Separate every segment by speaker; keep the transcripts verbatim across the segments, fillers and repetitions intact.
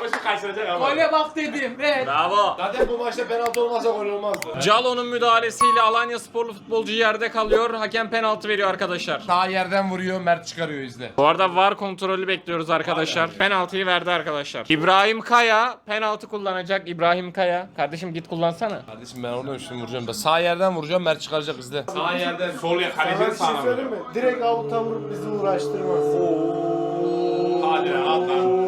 Speaker 1: Ama şu kaçıracak ama.
Speaker 2: Gole bak dedim. Evet.
Speaker 1: Bravo.
Speaker 3: Zaten bu maçta penaltı olmazsa gol olmazdı.
Speaker 4: Calo'nun müdahalesiyle Alanya sporlu futbolcu yerde kalıyor. Hakem penaltı veriyor arkadaşlar.
Speaker 3: Sağ yerden vuruyor, Mert çıkarıyor izle.
Speaker 4: Bu arada V A R kontrolü bekliyoruz arkadaşlar. Penaltıyı verdi arkadaşlar. İbrahim Kaya penaltı kullanacak. İbrahim Kaya. Kardeşim git kullansana.
Speaker 3: Kardeşim ben oradan üstüne vuracağım. Ben sağ yerden vuracağım, Mert çıkaracak izle.
Speaker 1: Sağ yerden sol ya kalecinin
Speaker 5: Sana bir şey
Speaker 1: sağına
Speaker 5: söyleyeyim
Speaker 1: vuruyor.
Speaker 5: mi? Direkt avuta vurup bizi uğraştırmaz.
Speaker 1: Hadi lan at lan.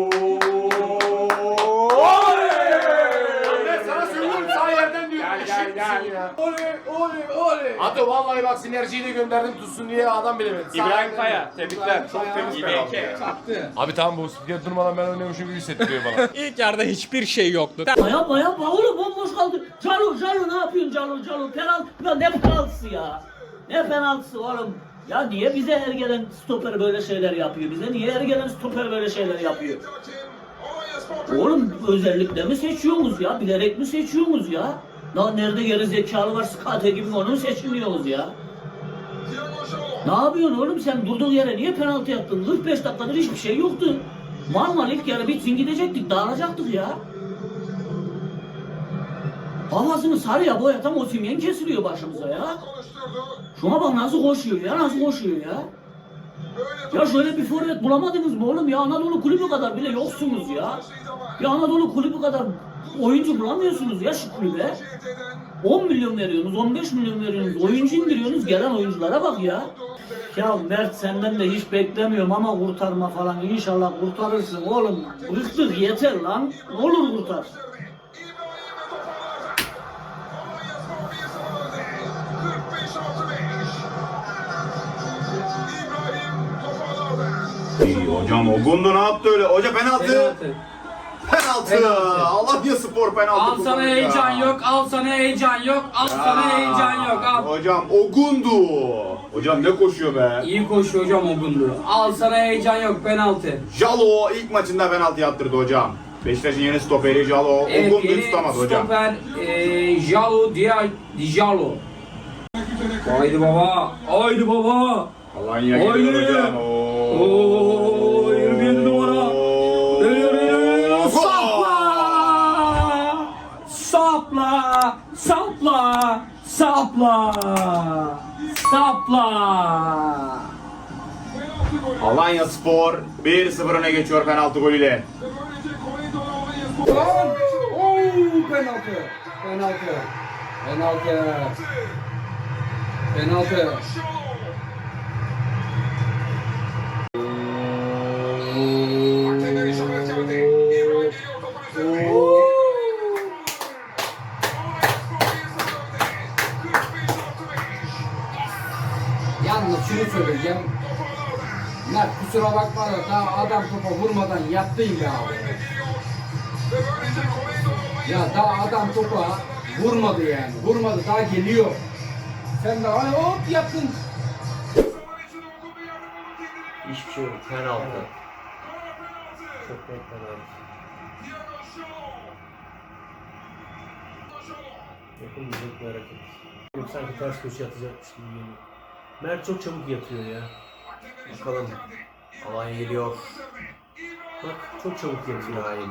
Speaker 3: Ben sana söylüyorum sağ yerden diyorum.
Speaker 1: Gel gel gel.
Speaker 3: Oley oley oley. Hatta vallahi bak sinerjiyi de gönderdim tutsun diye adam bilemedi. Sağ
Speaker 4: İbrahim
Speaker 3: yerden
Speaker 4: Kaya. Tebrikler.
Speaker 1: Çok temiz
Speaker 4: İyi
Speaker 1: penaltı.
Speaker 4: belki.
Speaker 2: Çaktı.
Speaker 3: Abi tamam bu spiker durmadan ben oynuyormuşum gibi hissettiriyor bana.
Speaker 4: İlk yarıda hiçbir şey yoktu.
Speaker 6: Yapma yapma oğlum bomboş kaldı. Calo Calo ne yapıyorsun Calo Calo penaltı ya ne penaltısı ya. Ne penaltısı oğlum. Ya niye bize her gelen stoper böyle şeyler yapıyor? Bize niye her gelen stoper böyle şeyler yapıyor? Oğlum özellikle mi seçiyorsunuz ya? Bilerek mi seçiyorsunuz ya? Lan nerede geri zekalı var skate gibi onu seçmiyoruz ya? Ne yapıyorsun oğlum sen durduğun yere niye penaltı yaptın? kırk beş dakikadır hiçbir şey yoktu. Normal ilk yarı bitsin gidecektik dağılacaktık ya. Havasını sarıya boyatan Osimhen kesiliyor başımıza ya. Şuna bak nasıl koşuyor ya, nasıl koşuyor ya. Ya şöyle bir forvet bulamadınız mı oğlum ya? Anadolu kulübü kadar bile yoksunuz ya. Ya Anadolu kulübü kadar oyuncu bulamıyorsunuz ya şu kulübe. on milyon veriyorsunuz, on beş milyon veriyorsunuz, oyuncu indiriyorsunuz, gelen oyunculara bak ya. Ya Mert senden de hiç beklemiyorum ama kurtarma falan inşallah kurtarırsın oğlum. Bıktık yeter lan, ne olur kurtar.
Speaker 7: İyi hocam Ogundu ne yaptı öyle? Hoca penaltı. Penaltı. Alanya Spor penaltı.
Speaker 2: Al sana
Speaker 7: kullandı
Speaker 2: heyecan
Speaker 7: ya.
Speaker 2: yok, al sana heyecan yok, al sana heyecan yok, al.
Speaker 7: Hocam Ogundu. Hocam ne koşuyor be?
Speaker 2: İyi koşuyor hocam Ogundu. Al sana heyecan yok, penaltı.
Speaker 7: Jalo ilk maçında penaltı yaptırdı hocam. Beşiktaş'ın yeni stoperi Jalo.
Speaker 2: Evet,
Speaker 7: Ogundu'yu
Speaker 2: yeni
Speaker 7: tutamadı hocam.
Speaker 2: stoper eee Jalo Dia Dijalo. Haydi baba, haydi baba.
Speaker 7: Alanya
Speaker 2: Haydi.
Speaker 7: geliyor hocam.
Speaker 2: Oo, yirmi yedi numara. Geliyor, geliyor, geliyor. Sapla! Sapla! Sapla! Sapla! Sapla!
Speaker 7: Alanya Spor bir sıfır öne geçiyor penaltı golüyle.
Speaker 2: Oo, penaltı. Penaltı. Penaltı. Penaltı.
Speaker 8: Yalnız şunu söyleyeceğim. Mert kusura bakma da daha adam topa vurmadan yattın ya. Ya daha adam topa vurmadı yani. Vurmadı daha geliyor. Sen de hani hop yattın.
Speaker 9: Hiçbir şey yok. Penaltı. Çok net penaltı. Yapılmayacak bir hareket. Yok sanki ters köşe atacakmış gibi geliyor. Mert çok çabuk yatıyor ya. Bakalım. Alanya geliyor. Bak çok çabuk yatıyor. Hayır.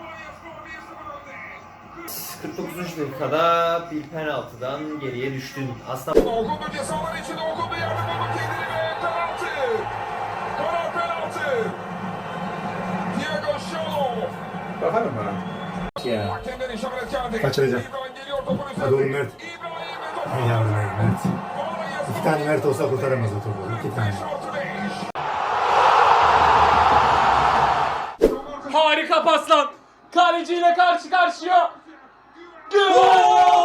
Speaker 9: kırk dokuzuncu dakikada bir penaltıdan geriye düştün. Aslında
Speaker 10: Ogundu cezalar içinde Ogundu yerde buldu kendini ve penaltı. Karar penaltı. Diego Şalo.
Speaker 5: Bakalım bana.
Speaker 8: Ya.
Speaker 10: Hakemden işaret geldi.
Speaker 5: Kaçıracak.
Speaker 10: İbrahim geliyor topun üzerinde.
Speaker 5: Hadi oğlum Mert.
Speaker 10: İbrahim ve topu.
Speaker 5: Ay yavrum Mert.
Speaker 10: Alanya
Speaker 5: İki
Speaker 10: Spor
Speaker 5: tane Mert olsa kurtaramaz o topu. İki tane.
Speaker 10: beş artı beş.
Speaker 4: Harika paslan. Kaleciyle karşı karşıya. Gol!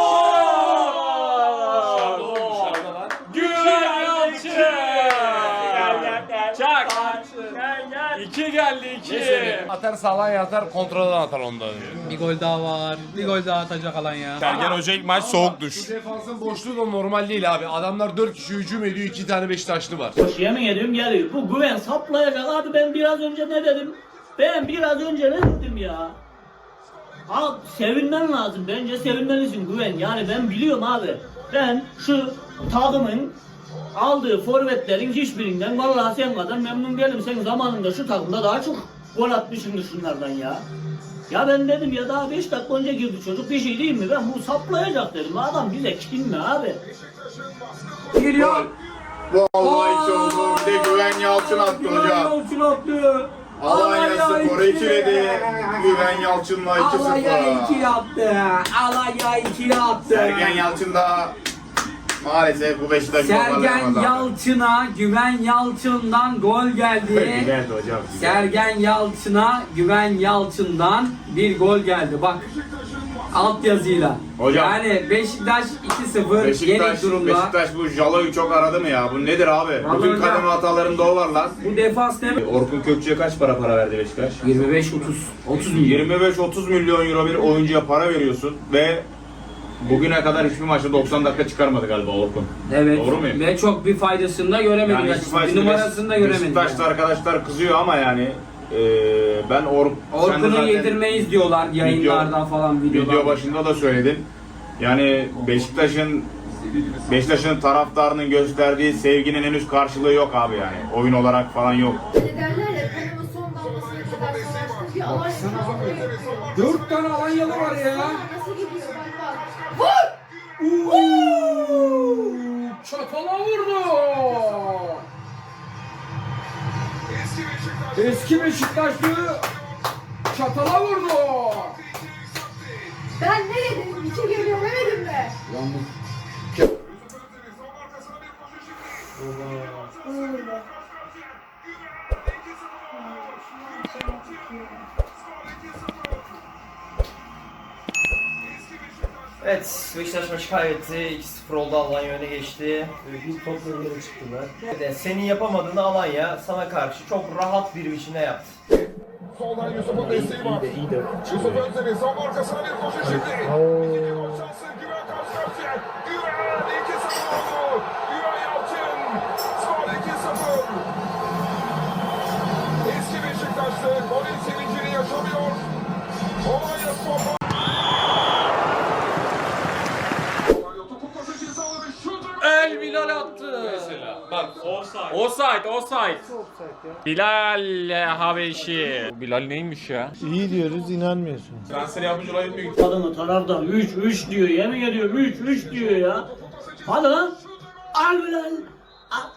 Speaker 4: Güven Yalçın! Çak! İki geldi iki.
Speaker 3: Atar sağlan atar kontrolden atar onda diyor.
Speaker 2: Bir gol daha var. Bir gol daha atacak Alanya.
Speaker 1: Sergen Hoca ilk maç soğuk duş.
Speaker 3: Bu defansın boşluğu da normal değil abi. Adamlar dört kişi hücum ediyor, iki tane Beşiktaşlı var.
Speaker 6: Hoş yemin ediyorum geliyor. Bu güven saplayacak abi ben biraz önce ne dedim? Ben biraz önce ne dedim ya? Abi sevinmen lazım. Bence sevinmelisin güven. Yani ben biliyorum abi. Ben şu takımın aldığı forvetlerin hiçbirinden vallahi sen kadar memnun değilim. Sen zamanında şu takımda daha çok gol atmışım şunlardan ya. Ya ben dedim ya daha beş dakika önce girdi çocuk, bir şey değil mi? Ben bu saplayacak dedim. Adam bize kim mi abi?
Speaker 8: Geliyor.
Speaker 7: Vallahi hiç oldu. Bir de Güven Yalçın attı hocam.
Speaker 2: Yalçın attı.
Speaker 7: Alanya Spor'u ikiledi. Güven Yalçın'la iki
Speaker 2: Alanya
Speaker 7: sıfır.
Speaker 2: iki attı. Alanya iki attı.
Speaker 7: Sergen Yalçın da maalesef bu Beşiktaş
Speaker 2: Sergen
Speaker 7: toparlayamadı.
Speaker 2: Yalçın'a Güven Yalçın'dan gol geldi.
Speaker 7: Güzeldi hocam. güzel.
Speaker 2: Sergen Yalçın'a Güven Yalçın'dan bir gol geldi. Bak alt yazıyla.
Speaker 7: Hocam.
Speaker 2: Yani Beşiktaş iki sıfır
Speaker 7: Beşiktaş,
Speaker 2: yenik durumda.
Speaker 7: Beşiktaş bu Jalo'yu çok aradı mı ya? Bu nedir abi?
Speaker 2: Vallahi
Speaker 7: Bütün
Speaker 2: hocam.
Speaker 7: kademe hatalarında o var lan.
Speaker 2: Bu defans ne?
Speaker 7: Orkun Kökçü'ye kaç para para verdi Beşiktaş?
Speaker 2: yirmi beş otuz otuz milyon.
Speaker 7: yirmi beş otuz milyon euro bir oyuncuya para veriyorsun ve bugüne kadar hiçbir maçta doksan dakika çıkarmadı galiba Orkun.
Speaker 2: Evet.
Speaker 7: Doğru muyum?
Speaker 2: Ve çok bir faydasını da göremedik.
Speaker 7: Yani
Speaker 2: açıkçası. bir numarasını da göremedik.
Speaker 7: Beşiktaş'ta
Speaker 2: yani.
Speaker 7: arkadaşlar kızıyor ama yani e, ben Or sen de
Speaker 2: Orkun'u
Speaker 7: zaten
Speaker 2: yedirmeyiz diyorlar yayınlarda
Speaker 7: video-
Speaker 2: falan videolarda.
Speaker 7: Video başında da söyledim. Yani Beşiktaş'ın Beşiktaş'ın taraftarının gösterdiği sevginin henüz karşılığı yok abi yani. Oyun olarak falan yok.
Speaker 11: Ne derler ya, kanımın son damlasına kadar savaştım. Bir alay savaşı.
Speaker 2: Dört tane Alanyalı var ya.
Speaker 11: Nasıl gidiyor bak bak.
Speaker 2: Uuu, çatala vurdu. Eski Beşiktaşlı çatala vurdu.
Speaker 11: Ben ne dedim? İki geliyor demedim mi? Öyle.
Speaker 9: Evet, Beşiktaş maçı kaybetti. iki sıfır oldu, Alanya öne geçti.
Speaker 5: Bir topla geri çıktılar.
Speaker 9: Evet, senin yapamadığını Alanya sana karşı çok rahat bir biçimde yaptı.
Speaker 10: Soldan Yusuf'un desteği var.
Speaker 5: İyi de
Speaker 10: Yusuf Özdemir son arkasına bir koşu şimdi. İkinci gol şansı Güven karşı karşıya. Güven iki sıfır oldu. Güven Yalçın. Skor iki sıfır. Eski Beşiktaşlı golün sevincini yaşamıyor. Alanya Spor.
Speaker 4: El Bilal attı.
Speaker 1: Mesela bak offside.
Speaker 4: Offside, offside. Bilal Habeşi. Bilal neymiş ya?
Speaker 5: İyi diyoruz, inanmıyorsun.
Speaker 1: Transfer yapmış olabilir büyük.
Speaker 6: Adamı taraftan üç üç diyor, yemin ediyorum üç üç diyor ya. Hadi lan. Al Bilal. Al.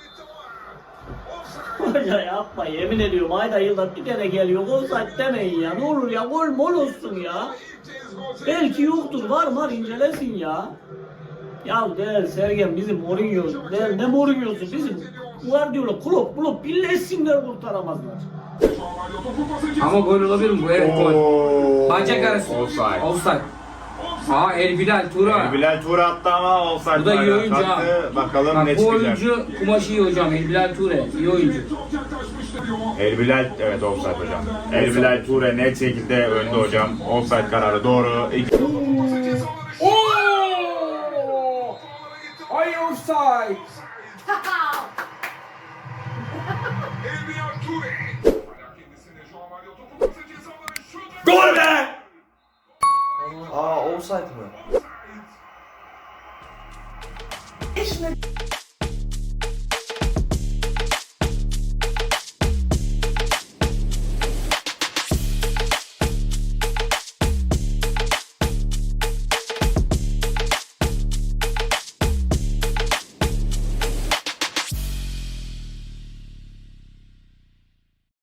Speaker 6: Hoca yapma, yemin ediyorum ayda yılda bir kere geliyor. Offside demeyin ya, ne olur ya, gol mol olsun ya. Belki yoktur, var var incelesin ya. Ya der Sergen bizim Mourinho, der ne Mourinho'su bizim Guardiola, Klopp, Klopp birleşsinler kurtaramazlar.
Speaker 2: Ama gol olabilir mi bu? Evet gol.
Speaker 7: Oo,
Speaker 2: Bacak arası.
Speaker 7: Offside.
Speaker 2: Offside. Aa El Bilal Tura.
Speaker 7: El Bilal Tur attı ama offside.
Speaker 2: Bu da iyi
Speaker 7: bayrağı
Speaker 2: oyuncu ha.
Speaker 7: taktı. Bakalım
Speaker 2: Bak
Speaker 7: ne
Speaker 2: bu
Speaker 7: çıkacak.
Speaker 2: oyuncu kumaşı iyi hocam. El Bilal Ture. İyi oyuncu.
Speaker 7: El Bilal evet offside hocam. El Bilal Ture net şekilde önde hocam. Offside kararı doğru. İki-
Speaker 2: Oo! Ay offside.
Speaker 10: Gol be!
Speaker 9: Aa, offside mı?